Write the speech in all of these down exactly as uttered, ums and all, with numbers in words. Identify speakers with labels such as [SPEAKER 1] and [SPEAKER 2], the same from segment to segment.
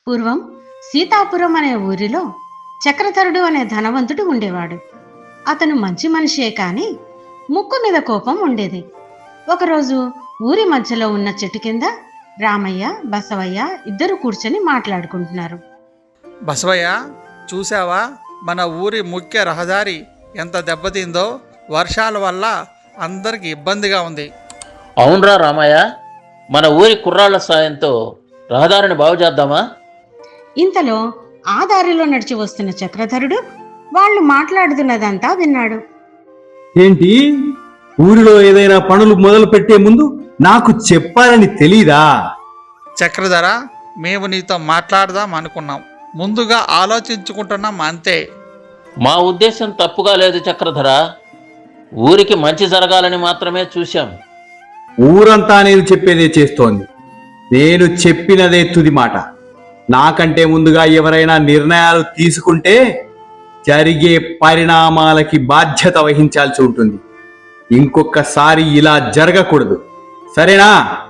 [SPEAKER 1] పూర్వం సీతాపురం అనే ఊరిలో చక్రధరుడు అనే ధనవంతుడు ఉండేవాడు. అతను మంచి మనిషే కాని ముక్కు మీద కోపం ఉండేది. ఒకరోజు ఊరి మధ్యలో ఉన్న చెట్టు కింద రామయ్య, బసవయ్య ఇద్దరు కూర్చొని మాట్లాడుకుంటున్నారు.
[SPEAKER 2] బసవయ్య, చూసావా మన ఊరి ముఖ్య రహదారి ఎంత దెబ్బతిందో? వర్షాల వల్ల అందరికి ఇబ్బందిగా ఉంది.
[SPEAKER 3] అవునరా రామయ్య, మన ఊరి కుర్రాళ్ల సాయంతో రహదారిని బాగు చేద్దామా?
[SPEAKER 1] ఇంతలో ఆ దారిలో నడిచి వస్తున్న చక్రధరుడు వాళ్ళు మాట్లాడుతున్నదంతా విన్నాడు.
[SPEAKER 4] ఏంటి, ఊరిలో ఏదైనా పనులు మొదలు పెట్టే ముందు నాకు చెప్పాలని తెలీదా?
[SPEAKER 2] చక్రధర, మేము నీతో మాట్లాడదాం అనుకున్నాం, ముందుగా ఆలోచించుకుంటున్నాం అంతే.
[SPEAKER 3] మా ఉద్దేశం తప్పుగా లేదు చక్రధర, ఊరికి మంచి జరగాలని మాత్రమే చూశాం.
[SPEAKER 4] ఊరంతా నేను చెప్పేదే చేస్తోంది. నేను చెప్పినదే తుది మాట. నాకంటే ముందుగా ఎవరైనా నిర్ణయాలు తీసుకుంటే జరిగే పరిణామాలకి బాధ్యత వహించాల్సి ఉంటుంది. ఇంకొకసారి ఇలా జరగకూడదు, సరేనా?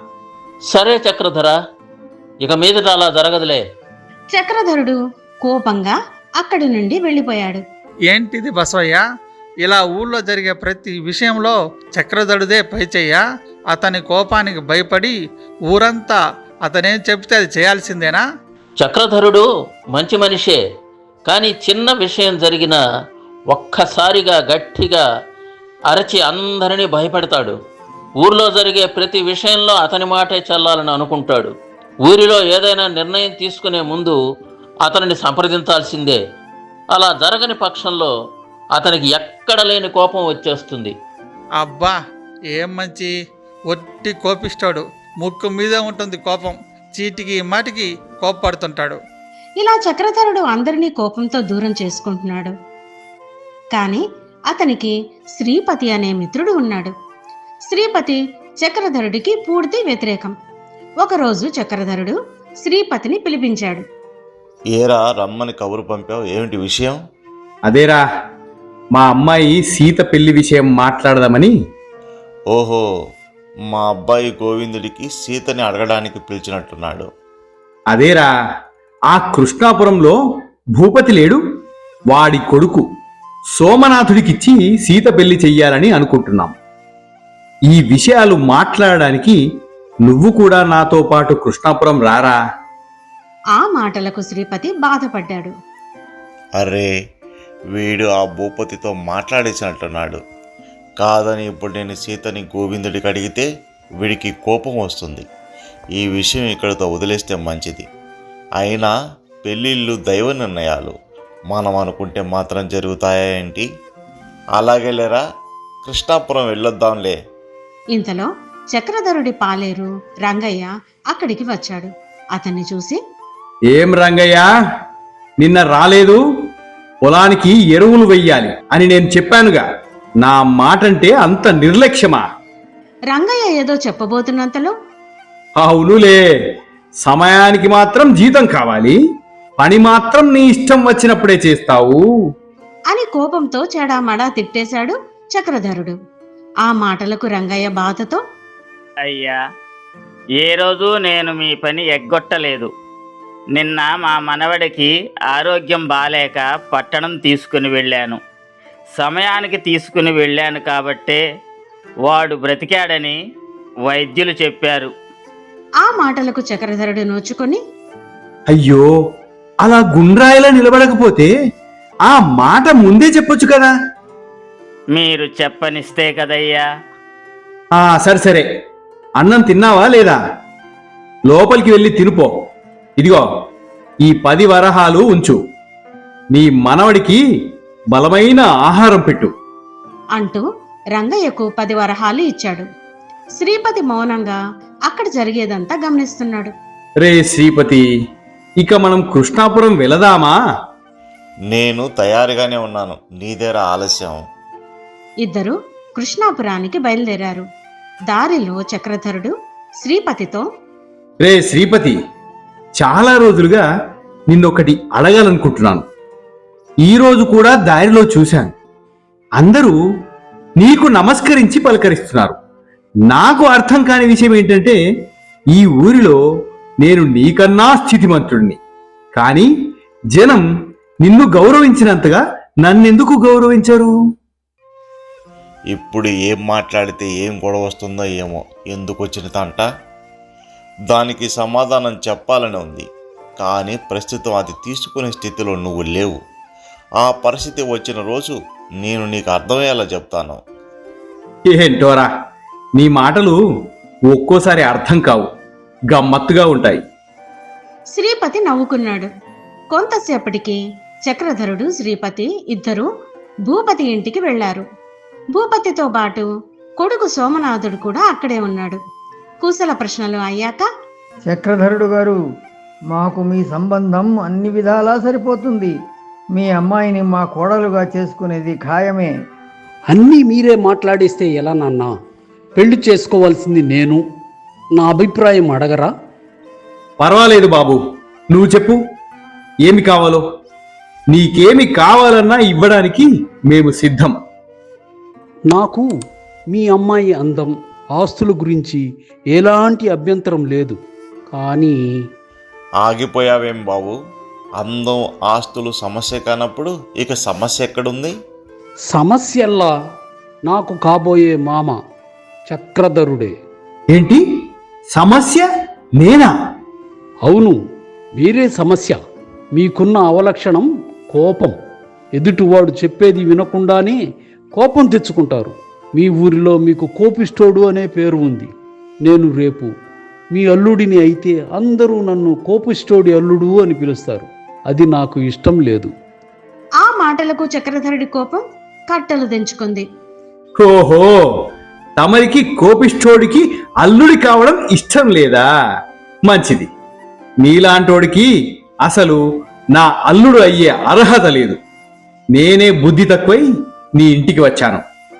[SPEAKER 3] సరే చక్రధర, ఇక మీదట అలా జరగదులే.
[SPEAKER 1] చక్రధరుడు కోపంగా అక్కడి నుండి వెళ్ళిపోయాడు.
[SPEAKER 2] ఏంటిది బసవయ్య, ఇలా ఊళ్ళో జరిగే ప్రతి విషయంలో చక్రధరుడే పైచెయ్య? అతని కోపానికి భయపడి ఊరంతా అతనేం చెప్తే అది చేయాల్సిందేనా?
[SPEAKER 3] చక్రధరుడు మంచి మనిషే, కానీ చిన్న విషయం జరిగినా ఒక్కసారిగా గట్టిగా అరచి అందరినీ భయపెడతాడు. ఊర్లో జరిగే ప్రతి విషయంలో అతని మాటే చెల్లాలని అనుకుంటాడు. ఊరిలో ఏదైనా నిర్ణయం తీసుకునే ముందు అతనిని సంప్రదించాల్సిందే. అలా జరగని పక్షంలో అతనికి ఎక్కడ లేని కోపం వచ్చేస్తుంది.
[SPEAKER 2] అబ్బా, ఏం మంచి ఒట్టి కోపిస్తాడు. ముక్కు మీద ఉంటుంది కోపం. చీటికి మాటికి కోపపడుతుంటాడు.
[SPEAKER 1] ఇలా చక్రధరుడు అందరినీ కోపంతో దూరం చేసుకుంటున్నాడు. కాని అతనికి శ్రీపతి అనే మిత్రుడు ఉన్నాడు. శ్రీపతి చక్రధరుడికి పూర్తి వ్యతిరేకం. ఒకరోజు చక్రధరుడు శ్రీపతిని పిలిపించాడు.
[SPEAKER 5] ఏరా, రమ్మని కబురు పంపావు, ఏమిటి విషయం?
[SPEAKER 4] అదేరా, మా అమ్మాయి సీత పెళ్లి విషయం మాట్లాడదామని.
[SPEAKER 5] ఓహో, మా అబ్బాయి గోవిందుడికి సీతని అడగడానికి పిలిచినట్టున్నాడు.
[SPEAKER 4] అదేరా, ఆ కృష్ణాపురంలో భూపతి లేడు, వాడి కొడుకు సోమనాథుడికిచ్చి సీత పెళ్లి చెయ్యాలని అనుకుంటున్నాం. ఈ విషయాలు మాట్లాడడానికి నువ్వు కూడా నాతో పాటు కృష్ణాపురం రారా?
[SPEAKER 1] ఆ మాటలకు శ్రీపతి బాధపడ్డాడు.
[SPEAKER 5] అరే, వీడు ఆ భూపతితో మాట్లాడేసినట్టున్నాడు. కాదని ఇప్పుడు నేను సీతని గోవిందుడికి అడిగితే వీడికి కోపం వస్తుంది. ఈ విషయం ఇక్కడితో వదిలేస్తే మంచిది. అయినా పెళ్ళిళ్ళు దైవ నిర్ణయాలు, మనం అనుకుంటే మాత్రం జరుగుతాయా ఏంటి? అలాగే లేరా, కృష్ణాపురం వెళ్ళొద్దాంలే.
[SPEAKER 1] ఇంతలో చక్రధరుడి పాలేరు రంగయ్య అక్కడికి వచ్చాడు. అతన్ని చూసి,
[SPEAKER 4] ఏం రంగయ్య, నిన్న రాలేదు? పొలానికి ఎరువులు వెయ్యాలి అని నేను చెప్పానుగా, నా మాటంటే అంత నిర్లక్ష్యమా?
[SPEAKER 1] రంగయ్య ఏదో చెప్పబోతున్నంతలో,
[SPEAKER 4] అవునులే, సమయానికి మాత్రం జీతం కావాలి, పని మాత్రం నీ ఇష్టం వచ్చినప్పుడే చేస్తావు
[SPEAKER 1] అని కోపంతో చెడామడా తిట్టేశాడు చక్రధరుడు. ఆ మాటలకు రంగయ్య బాధతో,
[SPEAKER 6] అయ్యా, ఏ రోజు నేను మీ పని ఎగ్గొట్టలేదు. నిన్న మా మనవడికి ఆరోగ్యం బాలేక పట్టణం తీసుకుని వెళ్ళాను. సమయానికి తీసుకుని వెళ్ళాను కాబట్టే వాడు బ్రతికాడని వైద్యులు చెప్పారు.
[SPEAKER 1] ఆ మాటలకు చక్రధరుడు నోచుకొని,
[SPEAKER 4] అయ్యో, అలా గుండ్రాయిలా నిలబడకపోతే ఆ మాట ముందే చెప్పొచ్చు కదా.
[SPEAKER 6] మీరు చెప్పనిస్తే కదయ్యా.
[SPEAKER 4] ఆ సరే సరే, అన్నం తిన్నావా లేదా? లోపలికి వెళ్ళి తినుపో. ఇదిగో, ఈ పది వరహాలు ఉంచు, నీ మనవడికి బలమైన ఆహారం పెట్టు
[SPEAKER 1] అంటూ రంగయ్యకు పది వరహాలు ఇచ్చాడు. శ్రీపతి మౌనంగా అక్కడ జరిగేదంతా గమనిస్తున్నాడు.
[SPEAKER 4] రే శ్రీపతి, ఇక మనం కృష్ణాపురం వెళదామా?
[SPEAKER 5] నేను తయారుగానే ఉన్నాను, నీదేరా ఆలస్యం.
[SPEAKER 1] ఇద్దరు కృష్ణాపురానికి బయలుదేరారు. దారిలో చక్రధరుడు శ్రీపతితో,
[SPEAKER 4] రే శ్రీపతి, చాలా రోజులుగా నిన్నొకటి అడగాలనుకుంటున్నాను. ఈరోజు కూడా దారిలో చూశాను, అందరూ నీకు నమస్కరించి పలకరిస్తున్నారు. నాకు అర్థం కాని విషయం ఏంటంటే, ఈ ఊరిలో నేను నీకన్నా స్థితిమంతుడిని, కానీ జనం నిన్ను గౌరవించినంతగా నన్నెందుకు గౌరవించరు?
[SPEAKER 5] ఇప్పుడు ఏం మాట్లాడితే ఏం గొడవ వస్తుందో ఏమో, ఎందుకు వచ్చిన తంట? దానికి సమాధానం చెప్పాలని ఉంది, కానీ ప్రస్తుతం అది తీసుకునే స్థితిలో నువ్వు లేవు. ఆ పరిస్థితి వచ్చిన రోజు నేను నీకు అర్థమయ్యేలా చెప్తాను.
[SPEAKER 4] ఏంటోరా, నీ మాటలు ఒక్కోసారి అర్థం కావు, గమ్మత్తుగా ఉంటాయి.
[SPEAKER 1] శ్రీపతి నవ్వుకున్నాడు. కొంతసేపటికి చక్రధరుడు శ్రీపతి ఇద్దరు భూపతి ఇంటికి వెళ్లారు. భూపతితో పాటు కొడుకు సోమనాథుడు కూడా అక్కడే ఉన్నాడు. కుశల ప్రశ్నలు అయ్యాక,
[SPEAKER 7] చక్రధరుడు గారు, మాకు మీ సంబంధం అన్ని విధాలా సరిపోతుంది. మీ అమ్మాయిని మా కోడలుగా చేసుకునేది ఖాయమే.
[SPEAKER 8] అన్నీ మీరే మాట్లాడేస్తే ఎలా నాన్న? పెళ్లి చేసుకోవాల్సింది నేను. నా అభిప్రాయం అడగరా?
[SPEAKER 4] పర్వాలేదు బాబు, నువ్వు చెప్పు, ఏమి కావాలో. నీకేమి కావాలన్నా ఇవ్వడానికి మేము సిద్ధం.
[SPEAKER 8] నాకు మీ అమ్మాయి అందం, ఆస్తుల గురించి ఎలాంటి అభ్యంతరం లేదు. కానీ
[SPEAKER 5] ఆగిపోయావేం బాబు? అందం ఆస్తులు సమస్య కానప్పుడు ఇక సమస్య ఎక్కడుంది?
[SPEAKER 8] సమస్యల్లా నాకు కాబోయే మామ చక్రధరుడే.
[SPEAKER 4] ఏంటి సమస్య? నేనా?
[SPEAKER 8] అవును, మీరే సమస్య. మీకున్న అవలక్షణం కోపం. ఎదుటివాడు చెప్పేది వినకుండానే కోపం తెచ్చుకుంటారు. మీ ఊరిలో మీకు కోపిష్టోడు అనే పేరు ఉంది. నేను రేపు మీ అల్లుడిని అయితే అందరూ నన్ను కోపిష్టోడి అల్లుడు అని పిలుస్తారు. అది నాకు ఇష్టం లేదు.
[SPEAKER 1] ఆ మాటలకు చక్రధరుడి కోపం కట్టలు తెంచుకుంది.
[SPEAKER 4] ఓహో, తమరికి కోపిష్టోడికి అల్లుడి కావడం ఇష్టం లేదా? మంచిది. నీలాంటోడికి అసలు నా అల్లుడు అయ్యే అర్హత లేదు. నేనే బుద్ధి తక్కువై నీ ఇంటికి వచ్చాను.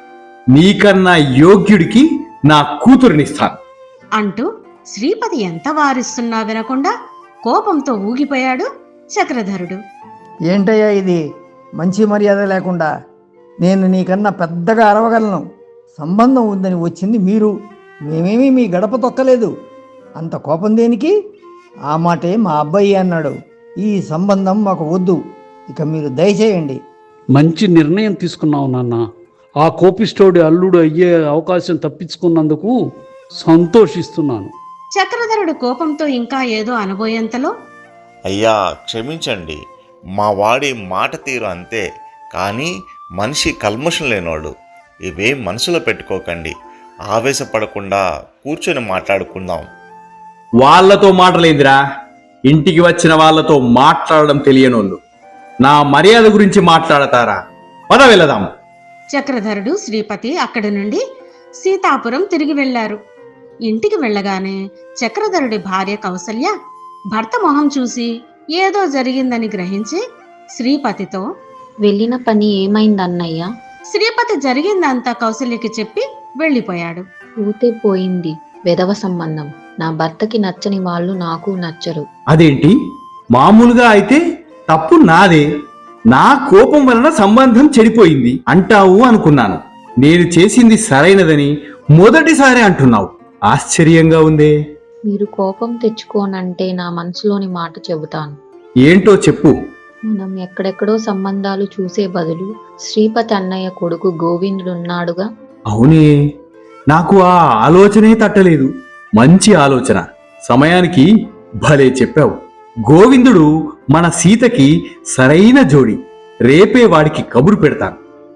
[SPEAKER 4] నీకన్నా యోగ్యుడికి నా కూతురునిస్తాను
[SPEAKER 1] అంటూ శ్రీపతి ఎంత వారిస్తున్నా వినకుండా కోపంతో ఊగిపోయాడు చక్రధరుడు.
[SPEAKER 7] ఏంటయ్యా ఇది? మంచి మర్యాద లేకుండా. నేను నీకన్నా పెద్దగా అరవగలను. సంబంధం ఉందని వచ్చింది మీరు, మేమేమీ మీ గడప తొక్కలేదు. అంత కోపం దేనికి? ఆ మాటే మా అబ్బాయి అన్నాడు. ఈ సంబంధం మాకు వద్దు, ఇక మీరు దయచేయండి.
[SPEAKER 8] మంచి నిర్ణయం తీసుకున్నావు నాన్న. ఆ కోపిష్టోడి అల్లుడు అయ్యే అవకాశం తప్పించుకున్నందుకు సంతోషిస్తున్నాను.
[SPEAKER 1] చక్రధరుడు కోపంతో ఇంకా ఏదో అనబోయేంతలో,
[SPEAKER 5] అయ్యా క్షమించండి, మా వాడి మాట తీరు అంతే, కానీ మనిషి కల్మషం లేనోడు. ఇవేం మనసులో పెట్టుకోకండి, ఆవేశపడకుండా కూర్చొని మాట్లాడుకుందాం.
[SPEAKER 4] వాళ్లతో మాటలేందిరా? ఇంటికి వచ్చిన వాళ్లతో మాట్లాడడం తెలియనోళ్ళు నా మర్యాద గురించి మాట్లాడతారా? పద వెళదాం.
[SPEAKER 1] చక్రధరుడు శ్రీపతి అక్కడి నుండి సీతాపురం తిరిగి వెళ్లారు. ఇంటికి వెళ్ళగానే చక్రధరుడి భార్య కౌసల్య భర్త మొహం చూసి ఏదో జరిగిందని గ్రహించి శ్రీపతితో,
[SPEAKER 9] వెళ్ళిన పని ఏమైందన్నయ్య?
[SPEAKER 1] శ్రీపతి జరిగిందంతా కౌసల్యకి చెప్పి వెళ్ళిపోయాడు.
[SPEAKER 9] ఊతే పోయింది వెధవ సంబంధం. నా భర్తకి నచ్చని వాళ్ళు నాకు నచ్చరు.
[SPEAKER 4] అదేంటి? మామూలుగా అయితే తప్పు నాదే, నా కోపం వలన సంబంధం చెడిపోయింది అంటావు అనుకున్నాను. నేను చేసింది సరైనదని మొదటిసారి అంటున్నావు. ఆశ్చర్యంగా ఉందే.
[SPEAKER 9] మీరు కోపం తెచ్చుకోనంటే నా మనసులోని మాట చెబుతాను.
[SPEAKER 4] ఏంటో చెప్పు.
[SPEAKER 9] మనం ఎక్కడెక్కడో సంబంధాలు చూసే బదులు శ్రీపతి అన్నయ్య కొడుకు గోవిందుడున్నాడుగా.
[SPEAKER 4] అవునే, నాకు ఆ ఆలోచనే తట్టలేదు. మంచి ఆలోచన, సమయానికి భలే చెప్పావు. గోవిందుడు మన సీతకి సరైన జోడి. రేపే వాడికి కబురు పెడతాను.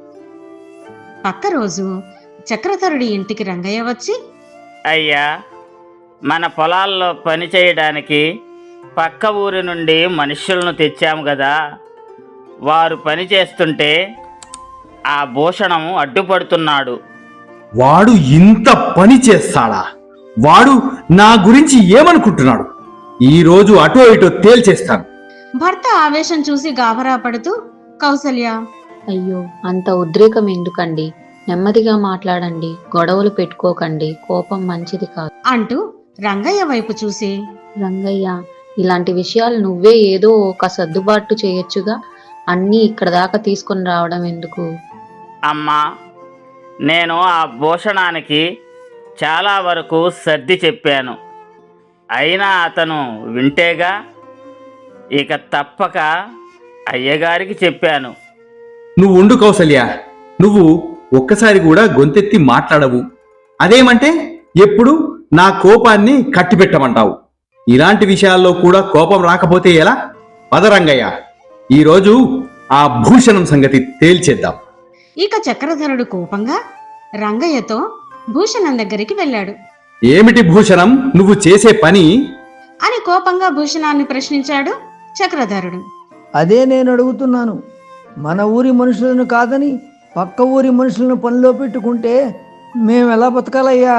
[SPEAKER 1] పక్క రోజు చక్రధరుడి ఇంటికి రంగయ్య వచ్చి,
[SPEAKER 6] అయ్యా, మన పొలాల్లో పని చేయడానికి పక్క ఊరి నుండి మనుష్యులను తెచ్చాము కదా. వారు పని చేస్తుంటే ఆ భూషణం అడ్డుపడుతున్నాడు.
[SPEAKER 4] వాడు ఇంత పని చేస్తాడా? వాడు నా గురించి ఏమనుకుంటున్నాడు? ఈ రోజు అటో ఇటో తేల్చేస్తాను.
[SPEAKER 1] భర్త ఆవేశం చూసి గాభరా పడుతూ కౌసల్య,
[SPEAKER 9] అయ్యో, అంత ఉద్రేకం ఎందుకండి? నెమ్మదిగా మాట్లాడండి, గొడవలు పెట్టుకోకండి. కోపం మంచిది కాదు
[SPEAKER 1] అంటూ రంగయ్య వైపు చూసి,
[SPEAKER 9] రంగయ్య, ఇలాంటి విషయాలు నువ్వే ఏదో ఒక సర్దుబాటు చేయొచ్చుగా. అన్నీ ఇక్కడ దాకా తీసుకొని రావడం ఎందుకు?
[SPEAKER 6] అమ్మా, నేను ఆ భూషణానికి చాలా వరకు సర్ది చెప్పాను, అయినా అతను వింటేగా. ఇక తప్పక అయ్యగారికి చెప్పాను.
[SPEAKER 4] నువ్వు ఉండు కౌసల్య, నువ్వు ఒక్కసారి కూడా గొంతెత్తి మాట్లాడవు. అదేమంటే ఎప్పుడు నా కోపాన్ని కట్టిపెట్టమంటావు. ఇలాంటి విషయాల్లో కూడా కోపం రాకపోతే ఎలా? పదరంగయ్య, ఈరోజు ఆ భూషణం సంగతి తేల్చేద్దాం.
[SPEAKER 1] ఇక చక్రధరుడు కోపంగా రంగయ్యతో భూషణం దగ్గరికి వెళ్ళాడు.
[SPEAKER 4] ఏమిటి భూషణం నువ్వు చేసే పని?
[SPEAKER 1] అని కోపంగా భూషణాన్ని ప్రశ్నించాడు చక్రధరుడు.
[SPEAKER 7] అదే నేను అడుగుతున్నాను. మన ఊరి మనుషులను కాదని పక్క ఊరి మనుషులను పనిలో పెట్టుకుంటే మేము ఎలా బతకాలయ్యా?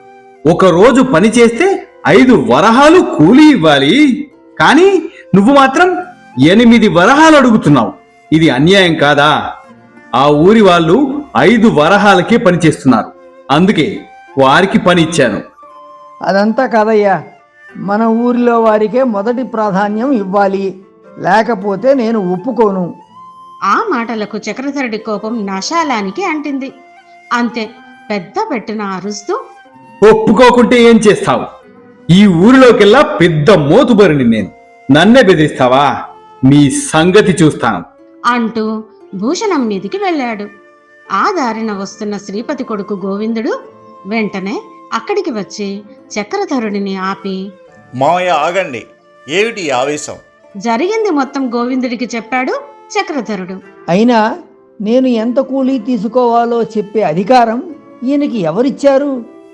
[SPEAKER 4] ఒక రోజు పని చేస్తే ఐదు వరహాలు కూలీ ఇవ్వాలి, కానీ నువ్వు మాత్రం ఎనిమిది వరహాలు అడుగుతున్నావు. ఇది అన్యాయం కాదా? ఆ ఊరి వాళ్ళు ఐదు వరహాలకే పని చేస్తున్నారు, అందుకే వారికి పని ఇచ్చాను.
[SPEAKER 7] అదంతా కాదయ్యా, మన ఊరిలో వారికే మొదటి ప్రాధాన్యం ఇవ్వాలి, లేకపోతే నేను ఒప్పుకోను.
[SPEAKER 1] ఆ మాటలకు చక్రధరుడి కోపం నాశాలానికి అంటింది. అంతే, పెద్ద పెట్టున అరుస్తూ,
[SPEAKER 4] ఒప్పుకోకుంటే ఏం చేస్తావు? ఈ ఊరిలోకెల్లా పెద్ద మోతుబరిని నేను. నన్నే బెదిరిస్తావా? నీ సంగతి చూస్తాను
[SPEAKER 1] అంటూ భూషణం మీదికి వెళ్ళాడు. ఆ దారిన వస్తున్న శ్రీపతి కొడుకు గోవిందుడు వెంటనే అక్కడికి వచ్చి చక్రధరుడిని ఆపి,
[SPEAKER 5] మావయ్య ఆగండి, ఏమిటి ఈ ఆవేశం?
[SPEAKER 1] జరిగింది మొత్తం గోవిందుడికి చెప్పాడు చక్రధరుడు.
[SPEAKER 7] అయినా నేను ఎంత కూలీ తీసుకోవాలో చెప్పే అధికారం ఈయనకి ఎవరిచ్చారు?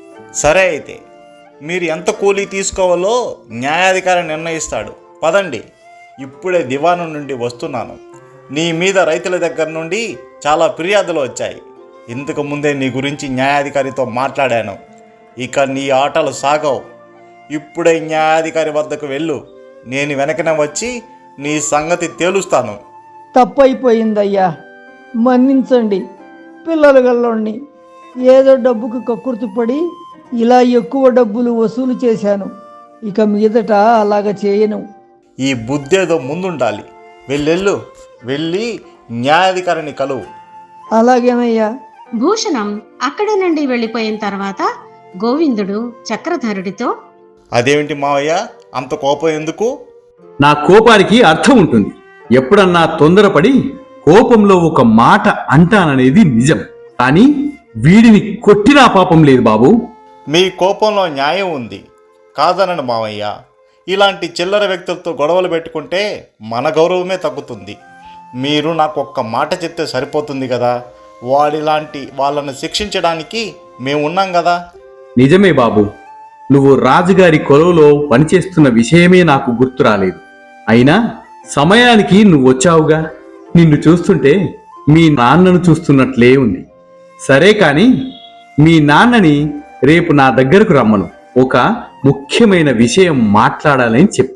[SPEAKER 5] సరే అయితే మీరు ఎంత కూలీ తీసుకోవాలో న్యాయాధికారి నిర్ణయిస్తాడు. పదండి, ఇప్పుడే దివాను నుండి వస్తున్నాను. నీ మీద రైతుల దగ్గర నుండి చాలా ఫిర్యాదులు వచ్చాయి. ఇంతకు ముందే నీ గురించి న్యాయాధికారితో మాట్లాడాను. ఇక నీ ఆటలు సాగవు. ఇప్పుడే న్యాయాధికారి వద్దకు వెళ్ళు. నేను వెనకనే వచ్చి నీ సంగతి తేలుస్తాను.
[SPEAKER 7] తప్పైపోయిందయ్యా, మన్నించండి. పిల్లలు గల్లోని ఏదో డబ్బుకు కక్కుర్తిపడి ఇలా ఎక్కువ డబ్బులు వసూలు చేశాను. ఇక మీదట అలాగ చేయను.
[SPEAKER 5] ఈ బుద్ధేదో ముందుండాలి. వెళ్ళెళ్ళు, వెళ్ళి న్యాయాధికారిని కలువు.
[SPEAKER 7] అలాగేనయ్యా.
[SPEAKER 1] భూషణం అక్కడి నుండి వెళ్ళిపోయిన తర్వాత గోవిందుడు చక్రధరుడితో,
[SPEAKER 5] అదేమిటి మావయ్య, అంత కోపం ఎందుకు?
[SPEAKER 4] నా కోపానికి అర్థం ఉంటుంది. ఎప్పుడన్నా తొందరపడి కోపంలో ఒక మాట అంటాననేది నిజం, కానీ వీడిని కొట్టినా పాపం లేదు బాబు.
[SPEAKER 5] మీ కోపంలో న్యాయం ఉంది, కాదనండి మావయ్య. ఇలాంటి చిల్లర వ్యక్తులతో గొడవలు పెట్టుకుంటే మన గౌరవమే తగ్గుతుంది. మీరు నాకు ఒక్క మాట చెప్తే సరిపోతుంది కదా. వాడిలాంటి వాళ్ళను శిక్షించడానికి మేము ఉన్నాం కదా.
[SPEAKER 4] నిజమే బాబు, నువ్వు రాజుగారి కొలువులో పనిచేస్తున్న విషయమే నాకు గుర్తు రాలేదు. అయినా సమయానికి నువ్వు వచ్చావుగా. నిన్ను చూస్తుంటే మీ నాన్నను చూస్తున్నట్లే ఉంది. సరే కాని మీ నాన్నని రేపు నా దగ్గరకు రమ్మను. ఒక ముఖ్యమైన విషయం మాట్లాడాలని చెప్పు.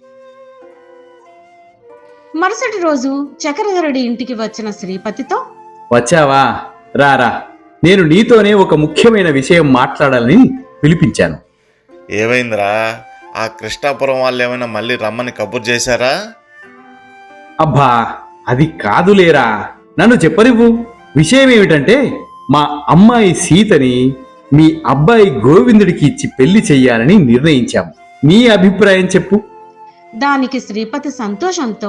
[SPEAKER 1] మరుసటి రోజు చక్రధరుడి ఇంటికి వచ్చిన శ్రీపతితో,
[SPEAKER 4] వచ్చావా? రారా, నేను నీతోనే ఒక ముఖ్యమైన విషయం మాట్లాడాలని పిలిపించాను.
[SPEAKER 5] ఏమైందిరా? ఆ కృష్ణాపురం వాళ్ళు ఏమైనా మళ్ళీ రమ్మని కబుర్ చేశారా?
[SPEAKER 4] అబ్బా, అది కాదులేరా, నన్ను చెప్పనివ్వు. విషయం ఏమిటంటే, మా అమ్మాయి సీతని మీ అబ్బాయి గోవిందుడికి ఇచ్చి పెళ్లి చెయ్యాలని నిర్ణయించాము. నీ అభిప్రాయం చెప్పు.
[SPEAKER 1] దానికి శ్రీపతి సంతోషంతో,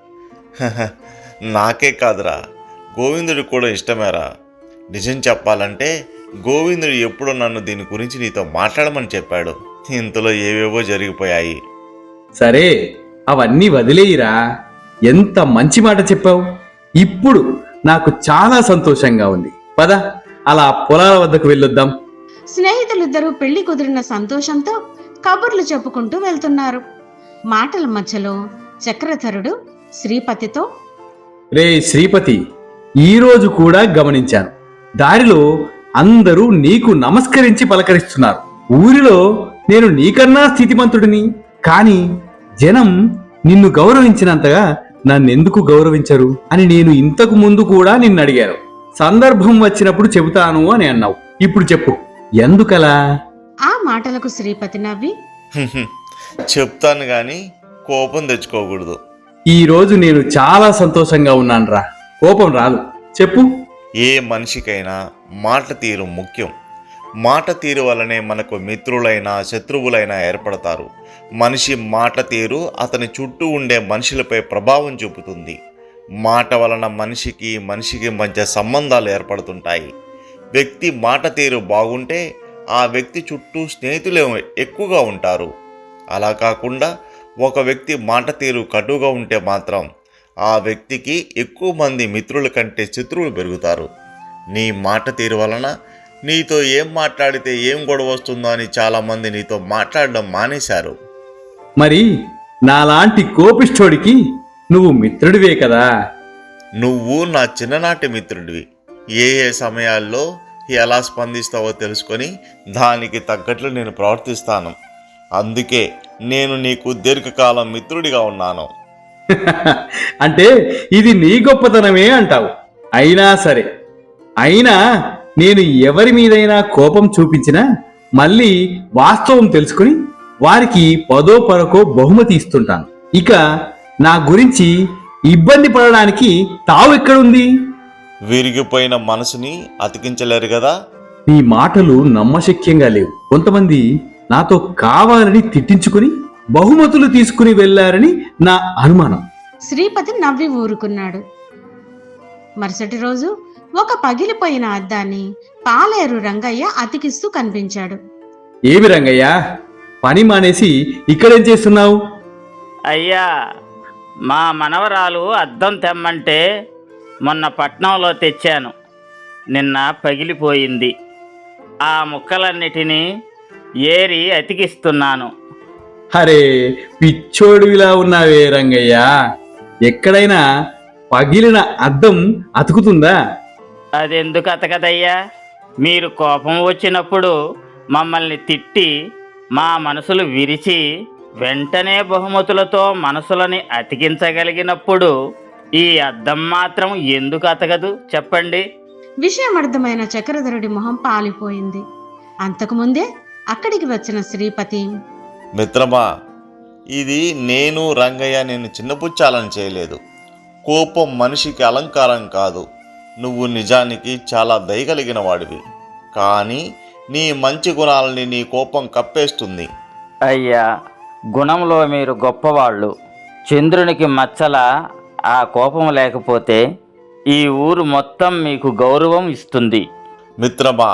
[SPEAKER 5] నాకే కాదురా, గోవిందుడికి కూడా ఇష్టమేరా. నిజం చెప్పాలంటే గోవిందుడు ఎప్పుడో నన్ను దీని గురించి నీతో మాట్లాడమని చెప్పాడు. ఇంతలో ఏవేవో జరిగిపోయాయి.
[SPEAKER 4] సరే, అవన్నీ వదిలేయిరా. ఎంత మంచి మాట చెప్పావు. ఇప్పుడు నాకు చాలా సంతోషంగా ఉంది. పద, అలా పొలాల వద్దకు వెళ్ళొద్దాం.
[SPEAKER 1] స్నేహితులిద్దరూ పెళ్లి కుదిరిన సంతోషంతో కబుర్లు చెప్పుకుంటూ వెళ్తున్నారు. మాటల మధ్యలో చక్రధరుడు శ్రీపతితో,
[SPEAKER 4] రే శ్రీపతి, ఈరోజు కూడా గమనించాను, దారిలో అందరూ నీకు నమస్కరించి పలకరిస్తున్నారు. ఊరిలో నేను నీకన్నా స్థితిమంతుడిని, కానీ జనం నిన్ను గౌరవించినంతగా నన్నెందుకు గౌరవించరు అని నేను ఇంతకు ముందు కూడా నిన్ను అడిగాను. సందర్భం వచ్చినప్పుడు చెబుతాను అని అన్నావు. ఇప్పుడు చెప్పు, ఎందుకలా?
[SPEAKER 1] ఆ మాటలకు శ్రీపతి నవ్వి,
[SPEAKER 5] చెప్తాను గాని కోపం తెచ్చుకోకూడదు.
[SPEAKER 4] ఈ రోజు నేను చాలా సంతోషంగా ఉన్నానురా, కోపం రాదు. చెప్పు.
[SPEAKER 5] ఏ మనిషికైనా మాట తీరు ముఖ్యం. మాట తీరు వలనే మనకు మిత్రులైనా శత్రువులైనా ఏర్పడతారు. మనిషి మాట తీరు అతని చుట్టూ ఉండే మనుషులపై ప్రభావం చూపుతుంది. మాట వలన మనిషికి మనిషికి మధ్య సంబంధాలు ఏర్పడుతుంటాయి. వ్యక్తి మాట తీరు బాగుంటే ఆ వ్యక్తి చుట్టూ స్నేహితులు ఎక్కువగా ఉంటారు. అలా కాకుండా ఒక వ్యక్తి మాట తీరు కటుగా ఉంటే మాత్రం ఆ వ్యక్తికి ఎక్కువ మంది మిత్రుల కంటే శత్రువులు పెరుగుతారు. నీ మాట తీరు వలన నీతో ఏం మాట్లాడితే ఏం గొడవ వస్తుందో అని చాలామంది నీతో మాట్లాడడం మానేశారు.
[SPEAKER 4] మరి నాలాంటి కోపిష్ఠోడికి నువ్వు మిత్రుడివే కదా.
[SPEAKER 5] నువ్వు నా చిన్ననాటి మిత్రుడివి. ఏ ఏ సమయాల్లో ఎలా స్పందిస్తావో తెలుసుకొని దానికి తగ్గట్లు నేను ప్రవర్తిస్తాను. అందుకే నేను నీకు దీర్ఘకాలం మిత్రుడిగా ఉన్నాను.
[SPEAKER 4] అంటే ఇది నీ గొప్పతనమే అంటావు. అయినా సరే, అయినా నేను ఎవరి మీదైనా కోపం చూపించినా మళ్ళీ వాస్తవం తెలుసుకుని వారికి పదో పరకో బహుమతి ఇస్తుంటాను. ఇక నా గురించి ఇబ్బంది పడడానికి తావు ఎక్కడుంది?
[SPEAKER 5] విరిగిపోయిన మనసుని అతికించలేరు కదా.
[SPEAKER 4] నీ మాటలు నమ్మశక్యంగా లేవు. కొంతమంది నాతో కావాలని తిట్టించుకుని బహుమతులు తీసుకుని వెళ్లారని నా అనుమానం.
[SPEAKER 1] శ్రీపతి నవ్వి ఊరుకున్నాడు. మరుసటి రోజు ఒక పగిలిపోయిన అద్దాన్ని పాలేరు రంగయ్య అతికిస్తూ కనిపించాడు.
[SPEAKER 4] ఏమి రంగయ్య, పని మానేసి ఇక్కడేం చేస్తున్నావు?
[SPEAKER 6] అయ్యా, మా మనవరాలు అద్దం తెమ్మంటే మొన్న పట్నంలో తెచ్చాను. నిన్న పగిలిపోయింది. ఆ ముక్కలన్నిటినీ ఏరి అతికిస్తున్నాను.
[SPEAKER 4] అరే, పిచ్చోడివిలా ఉన్నావే రంగయ్య. ఎక్కడైనా పగిలిన అద్దం అతుకుతుందా?
[SPEAKER 6] అదెందుకు అతకదయ్యా? మీరు కోపం వచ్చినప్పుడు మమ్మల్ని తిట్టి మా మనసులు విరిచి వెంటనే బహుమతులతో మనసులని అతికించగలిగినప్పుడు ఈ అద్దం మాత్రం ఎందుకు అతకదు చెప్పండి?
[SPEAKER 1] విషయం అర్థమైన చక్రధరుడి మొహం పాలిపోయింది. అంతకుముందే అక్కడికి వచ్చిన శ్రీపతి,
[SPEAKER 5] మిత్రమా, ఇది నేను రంగయ్య నేను చిన్నపుచ్చాలని చేయలేదు. కోపం మనిషికి అలంకారం కాదు. నువ్వు నిజానికి చాలా దయగలిగిన వాడివి. కానీ నీ మంచి గుణాలని నీ కోపం కప్పేస్తుంది.
[SPEAKER 6] అయ్యా, గుణంలో మీరు గొప్పవాళ్ళు. చంద్రునికి మచ్చల ఆ కోపం లేకపోతే ఈ ఊరు మొత్తం మీకు గౌరవం ఇస్తుంది.
[SPEAKER 5] మిత్రమా,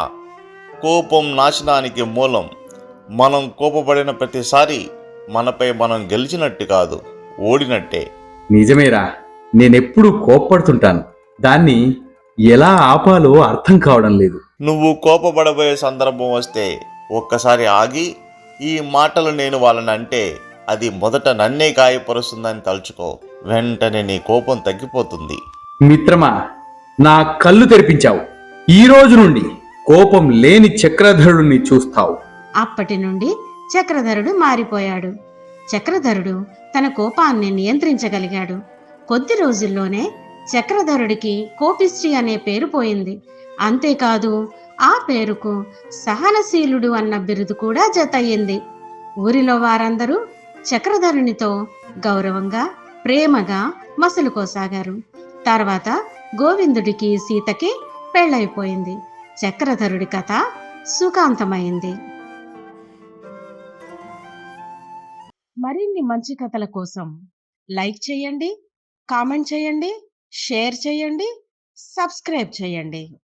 [SPEAKER 5] కోపం నాశనానికి మూలం. మనం కోపపడిన ప్రతిసారి మనపై మనం గెలిచినట్టు కాదు, ఓడినట్టే.
[SPEAKER 4] నిజమేరా, నేనెప్పుడు కోప్పడుతుంటాను. దాన్ని ఎలా ఆపాలో అర్థం కావడం లేదు.
[SPEAKER 5] నువ్వు కోపపడబోయే సందర్భం వస్తే ఒక్కసారి ఆగి ఈ మాటలు నేను వాళ్ళని అంటే అది మొదట నన్నే గాయపరుస్తుందని తలుచుకో. వెంటనే నీ కోపం తగ్గిపోతుంది.
[SPEAKER 4] మిత్రమా, నా కళ్ళు తెరిపించావు. ఈ రోజు నుండి కోపం లేని చక్రధరుడిని చూస్తావు.
[SPEAKER 1] అప్పటి నుండి చక్రధరుడు మారిపోయాడు. చక్రధరుడు తన కోపాన్ని నియంత్రించగలిగాడు. కొద్ది రోజుల్లోనే చక్రధరుడికి కోపిష్ఠి అనే పేరు పోయింది. అంతేకాదు, ఆ పేరుకు సహనశీలుడు అన్న బిరుదు కూడా జతయ్యింది. ఊరిలో వారందరూ చక్రధరునితో గౌరవంగా ప్రేమగా మసలుకోసాగారు. తర్వాత గోవిందుడికి సీతకి పెళ్ళైపోయింది. చక్రధరుడి కథ సుఖాంతమైంది. మరిన్ని మంచి కథల కోసం లైక్ చేయండి, కామెంట్ చేయండి, షేర్ చేయండి, సబ్స్క్రైబ్ చేయండి.